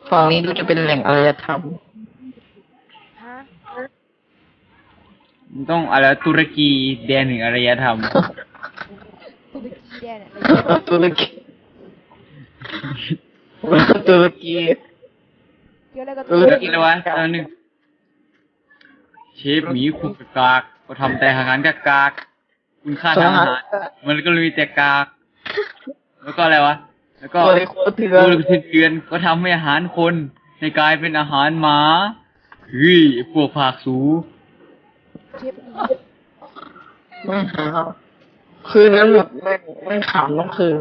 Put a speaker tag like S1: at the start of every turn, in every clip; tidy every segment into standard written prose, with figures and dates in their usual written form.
S1: ฝั่งนี้ดูจะเป็นแหล่งอารยธรรม
S2: ฮะ
S3: มันต้องอะไรตุรกีแดนหนึ่งอารยธรรม
S2: ตุรกีแดนอะไร
S1: ตุรกีตุรกี
S2: เกี่ยวอะไรกับ
S1: ตุ
S3: ตุ
S1: ร
S3: ร
S1: กี
S3: กีเลยวะตอนหนึ่งเชฟหมีคุกกากก็ทำแต่อาหารกากคุณค่าทางอาหารมันก็เลยมีแต่กากแล้วก็อะไรวะแล้วก็
S1: ตัวในโคตรเถื่อ
S3: ตั
S1: น
S3: วเถื่อนก็ทำให้อาหารคนให้กลายเป็นอาหารหมาเฮ้ยพวกผากสู
S2: เชฟอี
S1: ไม่หาคืนนั้นแบบไม่ขำต้องคืน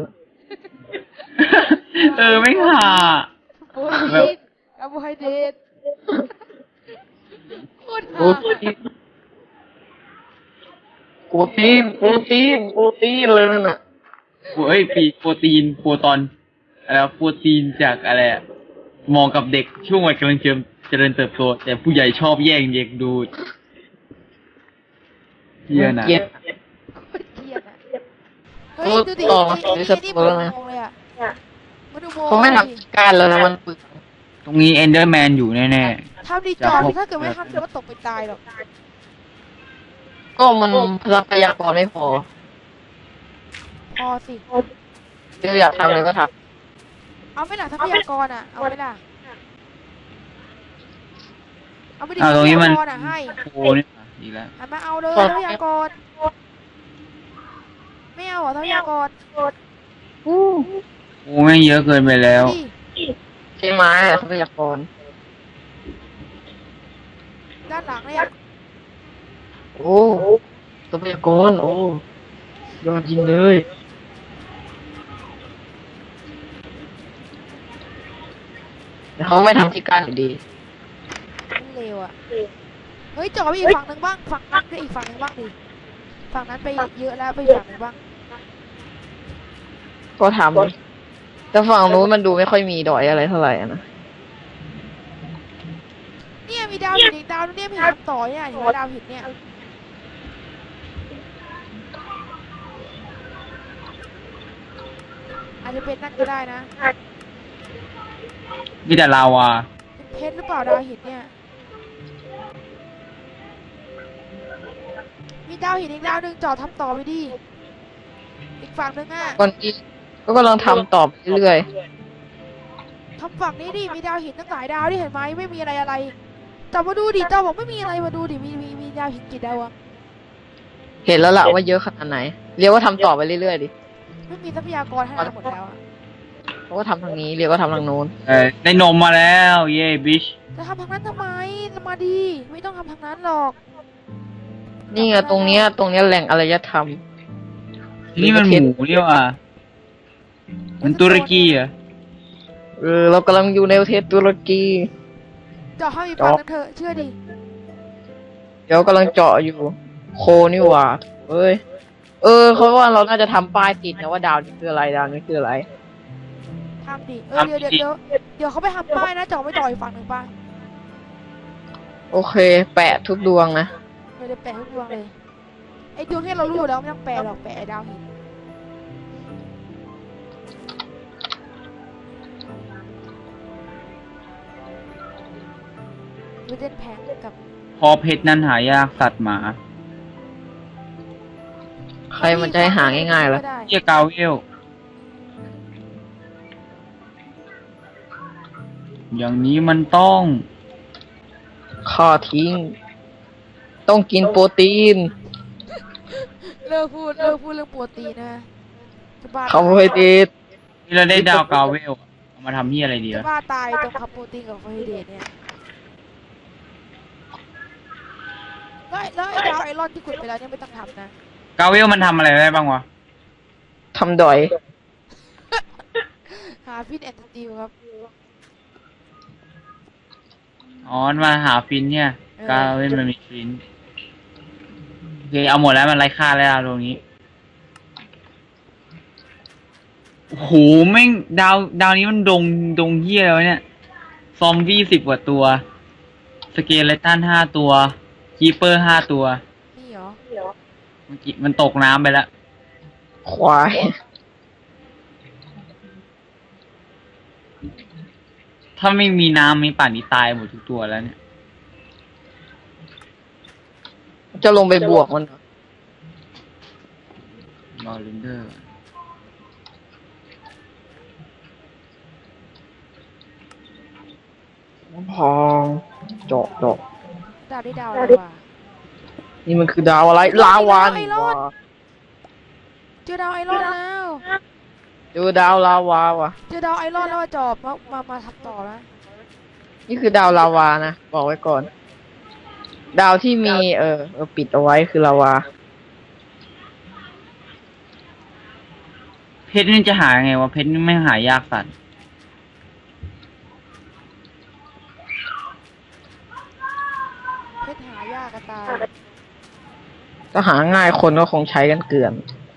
S3: ไม่ห่า
S2: โปรตีนคาร์โบไฮเดรตโคตร
S1: โปร
S2: ห่า
S1: ตีนโปรตีนโปรตีนโปรตีนเลยนั่นน่ะ
S3: เฮ้ยโปรตีนโปรตอนอะไรวะโปรตีนจากอะไรอะเหมองกับเด็กช่วงวัยกำลังเจริญเติบโตแต่ผู้ใหญ่ชอบแย่งเด็กดูดเหี้ยนะ
S1: เกลียด
S2: โคตรเกลียดอ่ะเฮ้ยดูดิ
S1: ต่อ
S2: ไอ้
S1: ใน
S2: นี่
S1: ส
S2: นี่
S1: ตู
S2: มัน
S1: แล้ว
S2: อุ
S1: นะ
S2: โมงค์เลยอ่ะมันอุโมง
S1: เขาไม่
S2: ค์เลย
S1: ทำการแล้วนะมันปึก
S3: ตรงนี้เอนเดอร์แมนอยู่แน่
S2: ทำดีจอดถ้าเกิดไม่ทำเดี๋ยวมันตกไปตายหรอก
S1: ก็มันทรัพยากรไม่พอ
S2: พอสิ
S1: เดี๋ยวอยากทำอะไรก็ท
S2: เอาไม่ล่ะทรัพยากรอ่ะ เอาไม่ล่ะเอาไม่
S3: ๆ
S2: ดี
S3: อ้าว
S2: ท
S3: ต
S2: รั
S3: รง
S2: พ
S3: นี้
S2: ยา
S3: มัน
S2: กรอ่ะให้
S3: โอ้นี่อีกแล้ว
S2: หันมาเอาเลยทรัพยากร ไม่เอาเหรอทรัพยากร
S1: ำอู้
S3: โอ้แม่งเยอะเกินไปแล้ว
S2: ดิ
S1: ใช่ไหมทรัพยากร
S2: ด้านหลังเนี่ย
S1: โอ้ทรัพยากรโอ้ยอดจริงเลยแต่เขาไม่ทำที่กั้นอยู่ดี
S2: มันเร็วอ่ะ เฮ้ยจอดไปอีกฝั่งหนึ่งบ้าง ฝั่งนั้นไปอีกฝั่งหนึ่งบ้างดิ ฝั่งนั้นไปเยอะแล้วไปอีกฝั่งหนึ่งบ้าง
S1: ก็ทำแต่ฝั่งนู้นมันดูไม่ค่อยมีดอยอะไรเท่าไหร่อะนะ
S2: เนี่ยมีดาวหินอีกดาวนึงเนี่ยมีทำต่อเนี่ยเห็นไหมดาวหินเนี่ย อาจจะเป็นนั่นก็ได้นะ
S3: มีแต่ลาวา
S2: เป็นเพชรหรือเปล่าดาวหินเนี่ย มีดาวหินอีกดาวหนึ่งจอดทำต่อไปดิ อีกฝั่งหนึ่งอ่ะ
S1: ก่อนนี้ก็กำลังทำต่อไปเรื่อย
S2: ทำฝั่งนี้ดิ มีดาวหินตั้งหลายดาวที่เห็นไหมไม่มีอะไรจอดมาดูดิจอบอกไม่มีอะไรมาดูดิ มีดาวหินกี่ดาวอะ
S1: เห็นแล้วล่ะว่าเยอะขนาดไหน เรียกว่าทำต่อไปเรื่อยๆดิ
S2: ไม่มีทรัพยากรให้เราหมดแล้วอะ
S1: เขาก็ทำทางนี้เรียกว่าทำทางโน้น
S3: ได้นมมาแล้ว เย้บิช
S2: จะทำทางนั้นทำไมมาดี ไม่ต้องทำทางนั้นหรอก
S1: นี่ไงตรงเนี้ยแหล่งอารยธรรม
S3: นี่มันหมูนี่ว่ะมันตุรกีเหรอ่ะ
S1: เรากำลังอยู่ในประเทศตุรกี
S2: จอดเข้าอีกฝั่งนึงเถอะเชื่อดิ
S1: เดี๋ยวกำลังเจาะอยู่ โคนี่หว่าเอ้ยเขาว่าเราน่าจะทำป้ายติดนะว่าดาวนี้คืออะไรดาวนี้คืออะไร
S2: ทำดิ เดี๋ยวเขาไปทำป้ายนะจอไม่ต่ออีกฝั่งหนึ่งป่ะ
S1: โอเค แปะทุกดวงนะ
S2: เดี๋ยวแปะทุกดวงเลย ไอ้ดวงที่เรารู้อยู่แล้วไม่ต้องแปะหรอกแปะไอ้ดาวหินวิเดนแพงกับ
S3: พอเพชรนั้นหายากสัตว์หมา
S1: ใครมันจะให้หาง่ายๆล่ะ
S2: ก็ได้
S3: เฮียกาเวล อย่างนี้มันต้อง
S1: ข้อทิ้ง ต้องกินโปรตีน
S2: เลิกพูดเรื่องโปรตีนนะจะบ้า
S1: คาร์โบไฮเดรต
S3: นี่เราได้ดาวกาเวลอะเอามาทำเฮียอะไรดี
S2: จะ
S3: วะ
S2: บ้าตายตรงคาร์โปรตีนกับไฟเดรตเนี่ยแล้วไอ้ดาวไอรอนที่ขุดไปแล้วเนี่ยไม่ต้องทำนะ
S3: กาเวลมันทำอะไรได้บ้างวะ
S1: ทำดอย
S2: หาฟิตแอนด์สตีลครับ
S3: อ๋อมาหาฟินเนี่ย กาเวลมันมีฟินโอเคเอาหมดแล้วมันไร้ค่าแล้วตรงนี้ โอ้โหแม่งดาวนี้มันดงเฮียแล้วะเนี่ย ซอมบี้10 กว่าตัว สเกเลตัน5 ตัว คีเปอร์5 ตัว
S2: นี่เหรอ
S3: เมื่อกี้มันตกน้ำไปแล้ว
S1: ควาย
S3: ถ้าไม่มีน้ำมีป่านนี้ตายหมดทุกตัวแล้วเนี่ย
S1: จะลงไปบวกมันเหรอ
S3: รอเรนเดอร์
S1: พองเจาะ
S2: ดาวได้ดาวอะไรวะ
S1: นี่มันคือดาวอะไรลาวานี่วะ
S2: เจอดาวไอรอนแล้ว
S1: เจอดาวลาวาว่ะ
S2: เจอดาวไอรอนแล้วจอบมาทำต่อแล้ว
S1: นี่คือดาวลาวานะบอกไว้ก่อน ดาวที่มีปิดเอาไว้คือลาวา
S3: เพชรนี่จะหาไงวะเพชรนี่ไม่หายากสัตว์
S2: เพชรหายากกระตาย
S1: ถ้าหาง่ายคนก็คงใช้กันเกลื่อน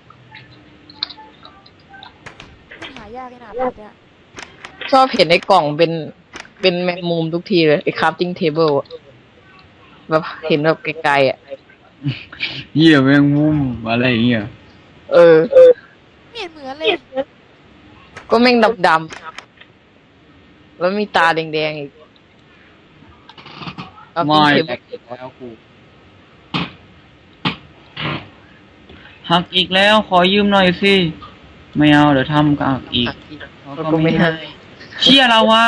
S2: เพชรหายากขนาดเพชรเนี่ย
S1: ชอบเห็นในกล่องเป็นแมงมุมทุกทีเลยไอ้คราฟติ้งเทเบิลแบบเห็นแบบไกลๆอ่ะ
S3: เหี้ยแมงมุมอะไรอย่างเงี้ย
S1: เออ
S2: ไม่เห็นเหมือนเลย
S1: ก็แม่งดำๆแล้วมีตาแดงๆอีก
S3: ไม่
S1: Crafting
S3: แต
S1: table
S3: กแล้วกูหักอีกแล้วขอยืมหน่อยสิไม่เอาเดี๋ยวทำกับอีก
S1: เราก็ไม่ให้
S3: เชี่ยเราว่า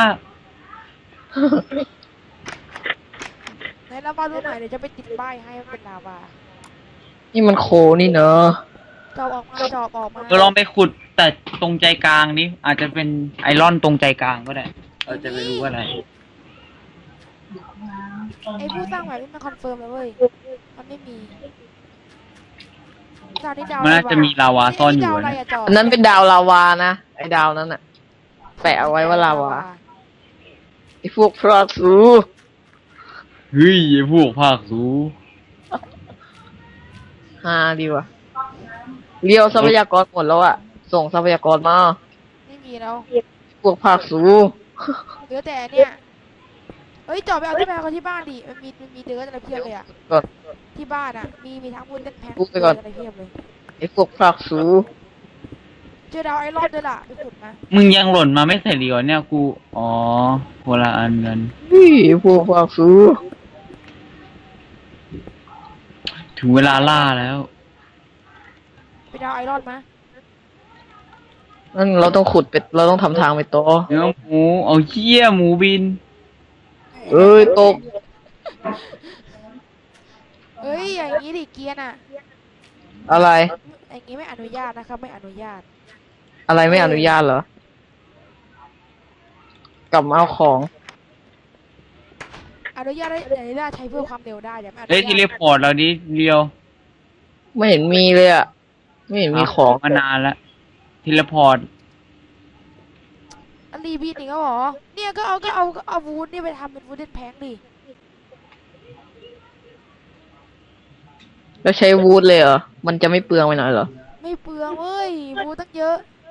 S2: ในลาวารูปไหนเดี๋ยวจะไปติดป้ายให้มันเป็นลาวา
S1: นี่มันโคนี่เนอะ
S2: จอบออกมาจอบออกมา
S3: เราลองไปขุดแต่ตรงใจกลางนี้อาจจะเป็นไอรอนตรงใจกลางก็ได้เราจะไม่รู้ว่าอะไร
S2: ไอ้ผู้สร้างแบบนี้มันคอนเฟิร์มแล้วเว้ยมันไม่มีดาวนี่ดาว
S3: มันน่าจะมีลาวาซ่อนอยู่
S2: ดาวอะไร
S3: นะ
S2: อะจอบ
S1: อันนั้นเป็นดาวลาวานะไอ้ดาวนั้นอะแปะเอาไว้ว่าลาวาไอ้พวกพระสู
S3: เฮ้ยไอพวกภาคสู
S1: ฮาดีว่ะเรียวทรัพยากรหมดแล้วอะส่งทรัพยากรมา
S2: ไม่มีแล้ว
S1: พวกภาคสู
S2: เหลือแต่เนี่ยเฮ้ยจอบไปเอาที่แมวเขาที่บ้านดิมันมีเดิร์ดอะไรเพียบเลยอะ
S1: ก่อน
S2: ที่บ้านอะมีทั้งวุ้นเต้นแพง
S1: พูดไปก่อน
S2: อะไรเพียบเลย
S1: ไอ้พวกภาคสู
S2: เจอดาวไอรอนด้วยล่ะไปขุดมา
S3: มึงยังหล่นมาไม่เสร็จดีกว่าเนี่ยกูอ๋อคนละอันกัน
S1: นี่พวกภาคสู
S3: ถึงเวลาล่าแล้ว
S2: ไปดาวไอรอนมา
S1: นั่นเราต้องขุดเป็ดเราต้องทำทางไปโตอ
S3: เนื้อหมูเอาเชี่ยหมูบิน
S1: เอ้ยตก
S2: เฮ้ยอย่างนี้ดิเกียร์น่ะ
S1: อะไร
S2: อย่างนี้ไม่อนุญาตนะครับไม่อนุญาต
S1: อะไรไม่อนุญาตเหรอ กลับมาเอาของ
S2: อนุญาตได้อนุญาตใช้เพื่อความเร็วได้แต่ไม่อนุ
S3: เฮ้ย
S2: ญาต
S3: ทีเลพอร์ตเราดิเรียว
S1: ไม่เห็นมีเลยอะไม่เห็นมีของ
S3: มานานแล้วทีเลพอร์ต
S2: อันรีบีนอีกแล้วเหรอเนี่ยก็เอาวูดนี่ไปทำเป็นวูดเด่นแพงดิ
S1: แล้วใช้วูดเลยเหรอ มันจะไม่เปลืองไปหน่อยเหรอ
S2: ไม่เปลืองเว้ยวูดตั้งเยอะ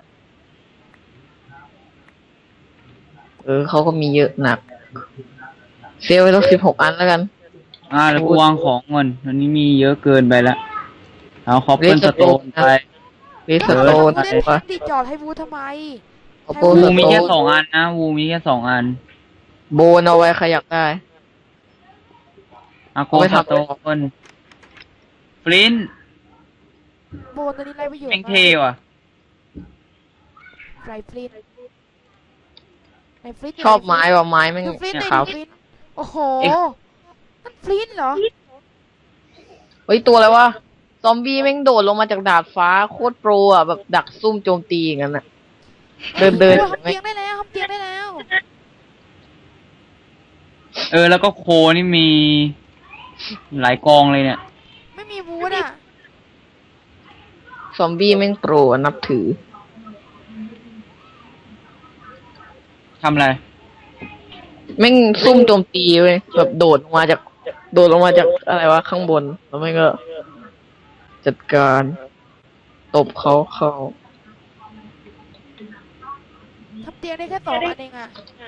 S1: เขาก็มีเยอะหนัก เซลไปต้อง16 อันแล้วกัน
S3: แล้วกูวางของก่อนวันนี้มีเยอะเกินไปละเอาคอปเปิลสโตนไป
S1: เรสโตน
S2: วูดเด่นแพงดิจอดให้วูดทำไม
S1: เอาโป
S3: วู
S1: ส
S3: มี
S1: โต
S3: แค่
S1: น
S3: 2 อันนะวูมีแค่ 2 อัน
S1: โบนเอาไว้ใครอยากได้
S3: อาโก
S1: เอาไป
S3: ส
S1: ทำ
S3: โตนฟลิน
S2: โบนตัวนี้ไรประโยชน์
S3: แม่งเท่ว่ะ
S2: ไรฟลินไรฟลิน
S1: ชอบไม้ว่ะไม้แม่ง
S2: ดูฟลิน
S1: เนี่ย
S2: ดิ
S1: ขาว
S2: ดูฟลินโอ้โหมันฟลินเหรอ
S1: เฮ้ยตัวอะไรวะ ซอมบี้แม่งโดดลงมาจากดาดฟ้าโคตรโปรอ่ะแบบดักซุ่มโจมตีอย่างนั้นอ่ะ เดิน
S2: ทำเตียงได้แล้วทำเตียงได้แล้ว
S3: แล้วก็โคนี่มีหลายกองเลยเนี่ย
S2: ไม่มีวูดอ่ะ
S1: ซอมบี้แม่งโปรอ่ะนับถือ
S3: ทำอะไร
S1: แม่งซุ่มโจมตีเว้ยแบบโดดลงมาจากอะไรวะข้างบนแล้วแม่งก็จัดการตบเขาเข้า
S2: ทำเตียงได้แค่2 อันเองอ่ะ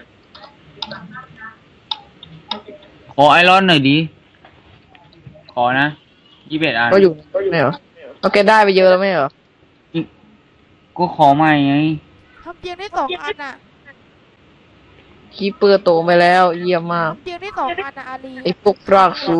S3: ขอไอรอนหน่อยดิ ขอนะ21 อัน
S1: ก็อยู่ไม่เหรอเอาแกได้ไปเยอะแล้วไม่เหรอ
S3: ก็ขอใหม่ไง
S2: ทำเตียงได้2 อันอ่ะ
S1: คีเปอร์โตไปแล้ว เยี่ยมมาก
S2: เตียงได้2 อันนะอาลี
S1: ไอ้พวกรากสู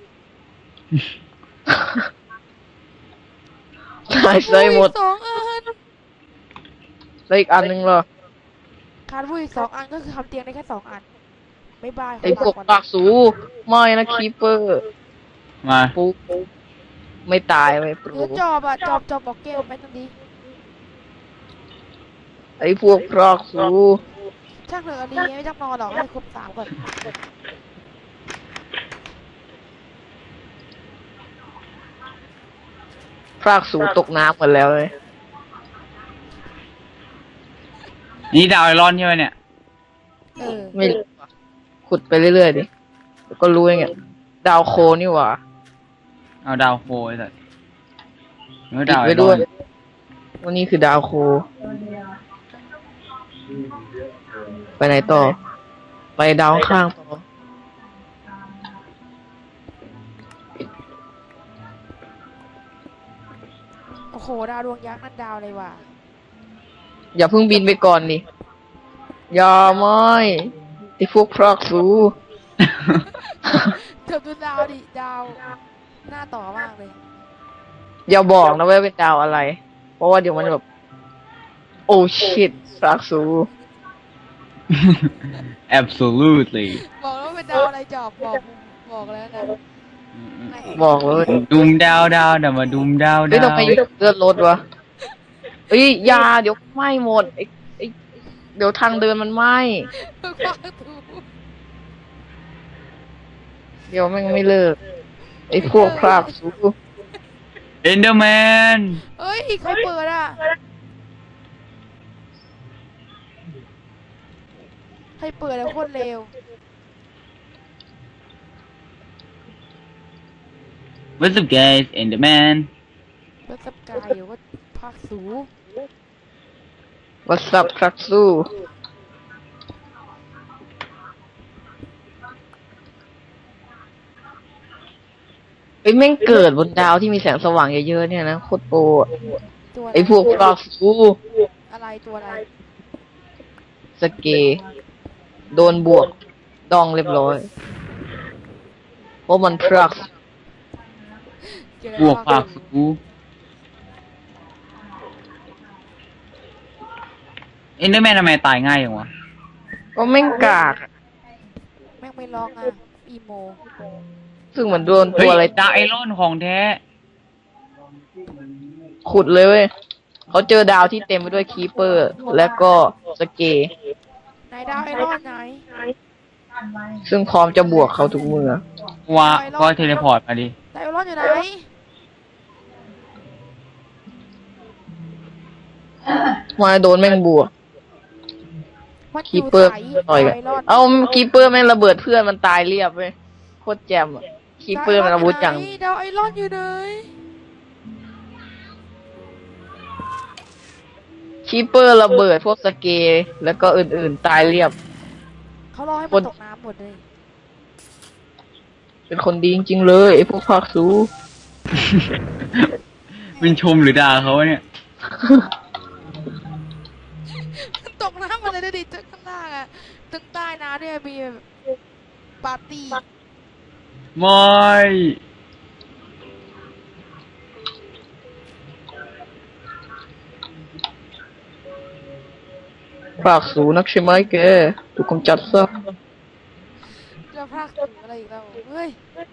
S1: ตายใส่หมด
S2: สองอัน
S1: แล้วอีกอันหนึงเหรอ
S2: ขาดผู้อีก2 อันก็คือทำเตียงได้แค่2 อันบ๊ายบาย
S1: ไอ้พวกรากสูไม่นะคีเปอร์
S3: มา
S1: ปุ๊บไม่ตายไม่ป
S2: เห
S1: ลู
S2: ลือจอบอะจอบบอกเกลไปตรงนี้
S1: ไอ้พวกรากสู
S2: ช่างเถอะอาลีไม่ต้องนอนหรอกให้ครบ3ก่อน
S1: รากสูตกน้ำหมดแล้วเลย
S3: นี่ดาวไอรอนใช่ไหมเนี่ย
S1: ไม่รู้อะขุดไปเรื่อยๆดิเดี๋ยวก็รู้เองอะดาวโคนี่หว่า
S3: เอาดาวโฟไอ้สัสเมื่อ
S1: ติด
S3: ดาวไอ
S1: ไว้
S3: ร
S1: ด้
S3: อ
S1: วย
S3: น
S1: วันนี้คือดาวโค ไปไหนต่อ ไปดาวข้างต่อ
S2: โอ้โหดาวดวงยักษ์นั่นดาวอะไรวะ
S1: อย่าเพิ่งบินไปก่อนดิอย่าไม่ไอ้พวกพรากสู
S2: เกือบดูดาวดิดาวหน้าต่อมากเลย
S1: อย่าบอกนะว่าเป็นดาวอะไร เพราะว่าเดี๋ยวมันแบบ โอ้ชิตพรากสู
S3: absolutely
S2: บอกแล้วว่าเป็นดาวอะไรจอบบอกแล้วนะ
S1: บอกเลย
S3: ดุมดาวดาวเดี๋ยวมาดุมดาว
S1: เฮ้ย
S3: ดา
S1: ทำ
S3: ว
S1: ไมเลือดลดวะเฮ้ยอยาเดี๋ยวไหม้หมดไอ้เดี๋ยวทางเดินมันไหม้
S2: ฟังถูก
S1: เดี๋ยวแม่งไม่เลิก ไอ้พวกพรากสู
S3: เอนเดอร์แมน
S2: เอ้ยใครเปิดอ่ะใครเปิดแล้วโคตรเร็ว
S3: What's up guys Enderman
S2: แล้วสับกายอยู่ก็ภาคสู
S1: วัสับพรากสูไอ้ยแม่งเกิดบนดาวที่มีแสงสว่างเยอะๆเนี่ยนะโคตรโปรอะ
S2: ตัวะร
S1: ไอ้พวกพรากสู
S2: อะไรตัวอะไร
S1: สเกโดนบวกดองเรียบร้อย เพราะมันพราก
S2: เจอบ
S3: วกภาคสูเอนเดอร์แมนทำไมตายง่ายอย่างวะ
S1: ก็แม่งกากอะ
S2: แม่งไม่ร้องอ่ะอีโม
S1: ซึ่งเหมือนโดน
S3: เฮ้
S1: ตั
S3: ยว
S1: อะไร
S3: ดาวไอรอนของแท้
S1: ขุดเลยเว้ยเขาเจอดาวที่เต็มไปด้วยคีเปอร์ และก็สเก
S2: ไหนดาวไอรอนไหน
S1: ซึ่งพร้อมจะบวกเขาทุกเมื่อ
S3: ว่าก็เทเลพอร์ตมาดิ
S2: ดาวไอรอนอยู่ไหน
S1: มาโดนแม่งบวก
S2: มันอ
S1: คี
S2: ยู่
S1: เปอร์
S2: ใส
S1: ต่อยกัน
S2: ไอรอน
S1: เอาคีเปอร์แม่งระเบิดเพื่อนมันตายเรียบเว้ยโคตรแจ่มอะคีเปอร์มันอาวุธจัง
S2: ดาวไอรอนอยู่ไหน
S1: คีเปอร์ระเบิดพวกสเกแล้วก็อื่นๆตายเรียบ
S2: เขารอให้
S1: ค
S2: มัน
S1: น
S2: ตกน้ำหมดเลย
S1: เป็นคนดีจริงๆเลยไอ้พวกภาคสู
S3: เป็นชมหรือด่าเขาวะเนี่ย
S2: ตกน้ำหมดเลยดูดิตึกข้างล่างอ่ะตึกใต้น้ำเนี่ยมีแบบปาร์ตี้
S3: ไม่
S1: ภาคสูนักใช่ไหมแกถูกกำจัดซะ
S2: จะพากถึงอะไรอีกแล้วเฮ้ย